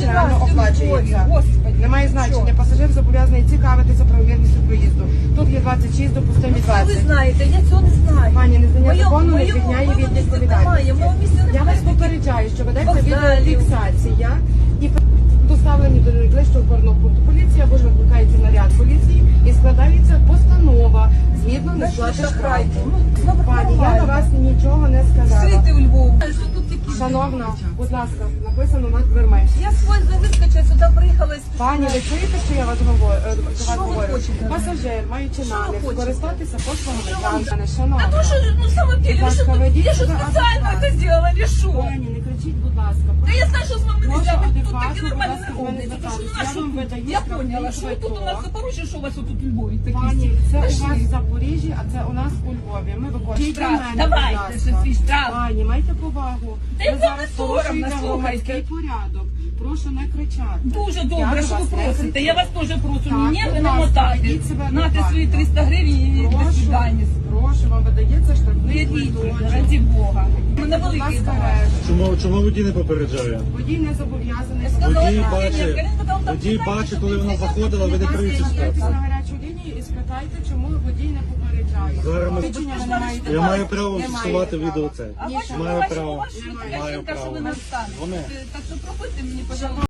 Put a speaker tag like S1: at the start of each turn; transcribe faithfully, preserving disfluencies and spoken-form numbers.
S1: реально
S2: раз,
S1: оплачується.
S2: Господи,
S1: Немає значення. Пасажир зобов'язаний цікавитися правомірністю проїзду. Тут є двадцять шість, допустимі
S2: Ну, це ви
S1: двадцять.
S2: знаєте, я цього не знаю.
S1: Пані, незнання
S2: Моєму-
S1: закону не
S2: моєму-
S1: звільняє
S2: моєму
S1: від
S2: місці
S1: відповідальності.
S2: немає, мого місця
S1: Я
S2: немає.
S1: вас попереджаю, що ведеться
S2: Вокзалів.
S1: відеофіксація і доставлені до найближчого опорного пункту поліції або ж викликається наряд поліції і складається постанова згідно
S2: Знаєш,
S1: несплати
S2: що
S1: штрафу.
S2: шахрайки? Ну, ну,
S1: Пані, я
S2: нормально.
S1: на вас нічого не сказала.
S2: Жити у Львові. Що тут такі?
S1: Шановна, будь ласка, написано над дверми.
S2: Я свой вискочила, сюди приїхала і спішила.
S1: Пані, ви чуєте, що я вас говорю? е, до вас
S2: Що ви
S1: говорю?
S2: хочете?
S1: Пасажир, маючи
S2: Що ви
S1: намір
S2: хочете?
S1: скористатися послугами
S2: Що вам-
S1: транспорту,
S2: А
S1: шановна.
S2: то що, ну, в самом деле, ви що
S1: Будь ласка,
S2: тут,
S1: ведіть
S2: я що
S1: себе
S2: спеціально
S1: адекватно.
S2: це зробила, чи що?
S1: Пані, не кричіть, будь ласка.
S2: Та я знаю, що з вами не
S1: Прошу
S2: можна, тут такі
S1: адекватно, будь
S2: нормальні
S1: ласка,
S2: не
S1: до мене
S2: ходять. Тому що у
S1: звертатися.
S2: нас
S1: Я
S2: що
S1: вам
S2: тут?
S1: видаю
S2: Я
S1: штрафний
S2: поняла, що тут у нас
S1: квиток.
S2: Запоріжжя, що у вас тут у Львові такі.
S1: Пані, це у
S2: Пішли.
S1: вас в Запоріжжі, а це у нас у Львові. Ми виконуємо.
S2: Штраф, давайте, що свій штраф.
S1: Пані, майте повагу.
S2: Та
S1: Ви
S2: й вам
S1: зараз
S2: не соромно,
S1: порушуєте
S2: слухайте.
S1: громадський порядок. Прошу не кричати.
S2: Дуже
S1: Я
S2: добре,
S1: до
S2: що ви
S1: вас не
S2: просите.
S1: кричу.
S2: Я вас теж прошу.
S1: Так,
S2: Мені
S1: будь
S2: ви не
S1: ласка,
S2: мотайте.
S1: ведіть себе
S2: Нате
S1: адекватно.
S2: свої триста гривень і до
S1: Прошу,
S2: свидання.
S1: прошу, вам видається штрафний
S2: Ведіть,
S1: квиточок.
S2: раді Бога. У мене
S1: Будь
S2: великий
S1: ласка,
S2: багаж.
S1: решта.
S3: Чому, чому водій не попереджає?
S1: Водій не зобов'язаний.
S2: Я сказала,
S3: Водій
S2: що
S3: бачить,
S2: ні, Карина сказала,
S3: водій
S2: там
S3: бачить,
S2: читайте,
S3: коли вона
S2: що
S3: заходила, ви не
S1: Будь
S3: криєте
S1: ласка,
S3: штраф.
S1: звертайтесь на гарячу лінію і спитайте, чому водій не попереджає.
S3: Зараз ми-
S1: Свідчення ви не маєте
S3: Я
S1: права.
S3: маю право
S1: Не
S3: фіксувати
S1: маєте
S3: відео
S1: права.
S3: це.
S2: А
S1: Ні,
S2: бачите,
S3: Маю
S2: бачите,
S3: право.
S2: у вас що така
S3: Маю
S2: жінка, що
S3: право.
S2: ви не встанете.
S3: Вони.
S2: Так що пропустите мені, пожалуйста.